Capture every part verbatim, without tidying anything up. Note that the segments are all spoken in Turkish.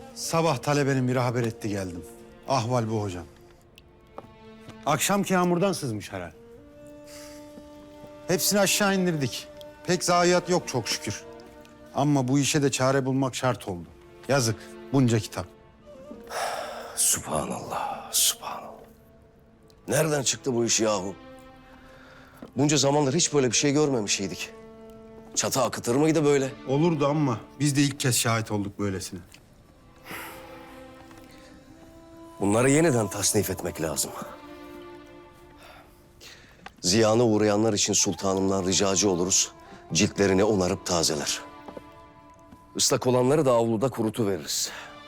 Sabah talebenin biri haber etti geldim. Ahval bu hocam. Akşamki yağmurdan sızmış herhal. Hepsini aşağı indirdik. Pek zayiat yok çok şükür. Ama bu işe de çare bulmak şart oldu. Yazık bunca kitap. Subhanallah, subhanallah. Nereden çıktı bu iş yahu? Bunca zamandır hiç böyle bir şey görmemişydik. Çatı akıtır mıydı böyle? Olurdu ama biz de ilk kez şahit olduk böylesine. Bunları yeniden tasnif etmek lazım. Ziyana uğrayanlar için sultanımdan ricacı oluruz. Ciltlerini onarıp tazeler. Islak olanları da avluda kurutuveririz.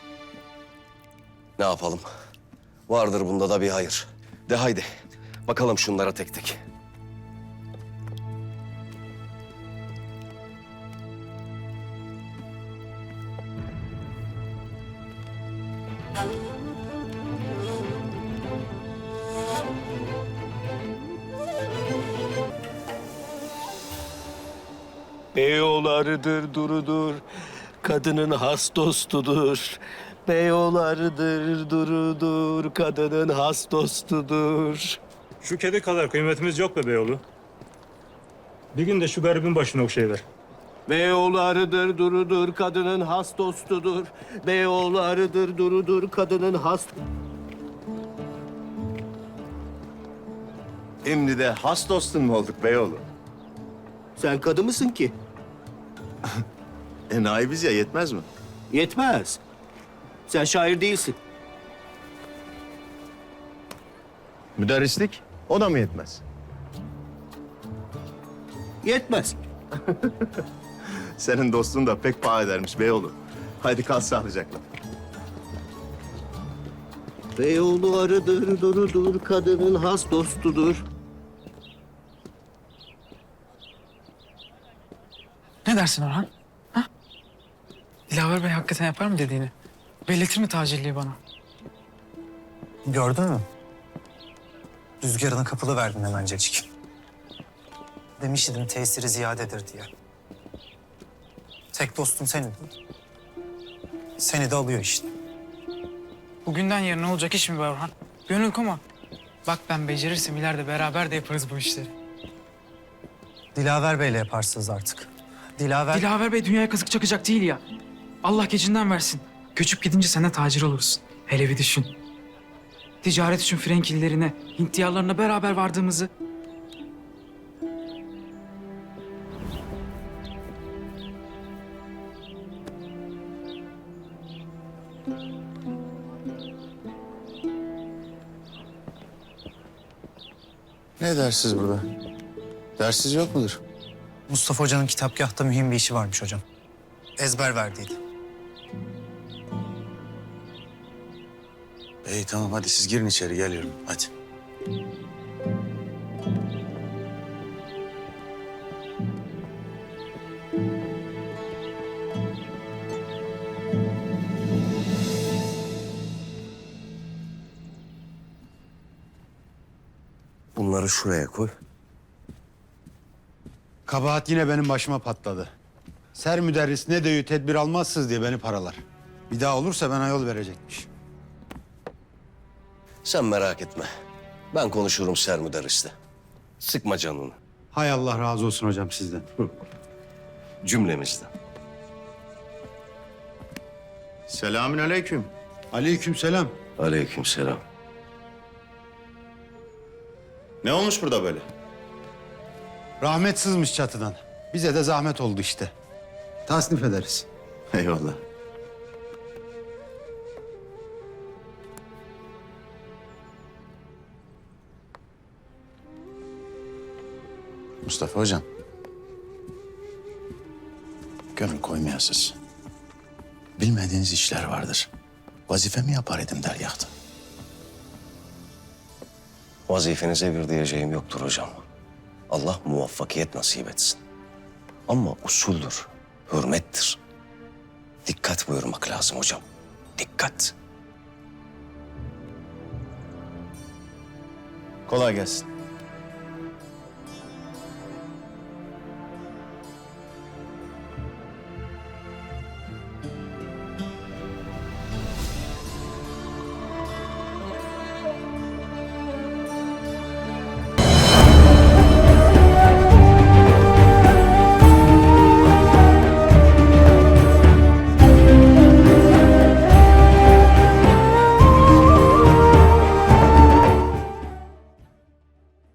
Ne yapalım? Vardır bunda da bir hayır. De haydi, bakalım şunlara tek tek. Beyoğlarıdır durudur, kadının has dostudur. Beyoğlarıdır durudur, kadının has dostudur. Şu kedi kadar kıymetimiz yok be Beyoğlu. Bir gün de şu garibin başına okşayıver. Beyoğlarıdır durudur, kadının has dostudur. Beyoğlarıdır durudur, kadının has... Şimdi de has dostun mu olduk beyoğlu? Sen kadı mısın ki? E naibiz ya, yetmez mi? Yetmez. Sen şair değilsin. Müderrislik, o da mı yetmez? Yetmez. Senin dostun da pek paha edermiş beyoğlu. Haydi kal sağlıcakla. Beyoğlarıdır durudur, kadının has dostudur. Ne dersin Orhan? Ha? Dilaver Bey hakikaten yapar mı dediğini? Belletir mi tacirliği bana? Gördün mü? Rüzgarına kapılı verdin hemencecik. Demiş idim tesiri ziyadedir diye. Tek dostum senin. Seni de alıyor işte. Bugünden yarına olacak iş mi be Orhan? Gönül koma. Bak ben becerirsem ileride beraber de yaparız bu işleri. Dilaver Bey'le yaparsınız artık. Dilaver... Dilaver Bey dünyaya kazık çakacak değil ya. Allah gecinden versin. Göçüp gidince sen de tacir olursun. Hele bir düşün. Ticaret için Frenkililerine, Hint diyarlarına beraber vardığımızı... Ne dersiz burada? Dersiz yok mudur? Mustafa Hoca'nın kitapgahta mühim bir işi varmış hocam. Ezber verdiydi. İyi tamam, hadi siz girin içeri, geliyorum. Hadi. Bunları şuraya koy. Kabahat yine benim başıma patladı. Ser müderris ne diyor tedbir almazsınız diye beni paralar. Bir daha olursa bana yol verecekmiş. Sen merak etme. Ben konuşurum sermüderrisle. Sıkma canını. Hay Allah razı olsun hocam sizden. Cümlemizden. Selamün aleyküm. Aleykümselam. Aleykümselam. Ne olmuş burada böyle? Rahmet sızmış çatıdan. Bize de zahmet oldu işte. Tasnif ederiz. Eyvallah. Mustafa hocam. Gönül koymayasınız. Bilmediğiniz işler vardır. Vazifemi yapar idim dergâhta. Vazifenize bir diyeceğim yoktur hocam. Allah muvaffakiyet nasip etsin. Ama usuldür, hürmettir. Dikkat buyurmak lazım hocam. Dikkat. Kolay gelsin.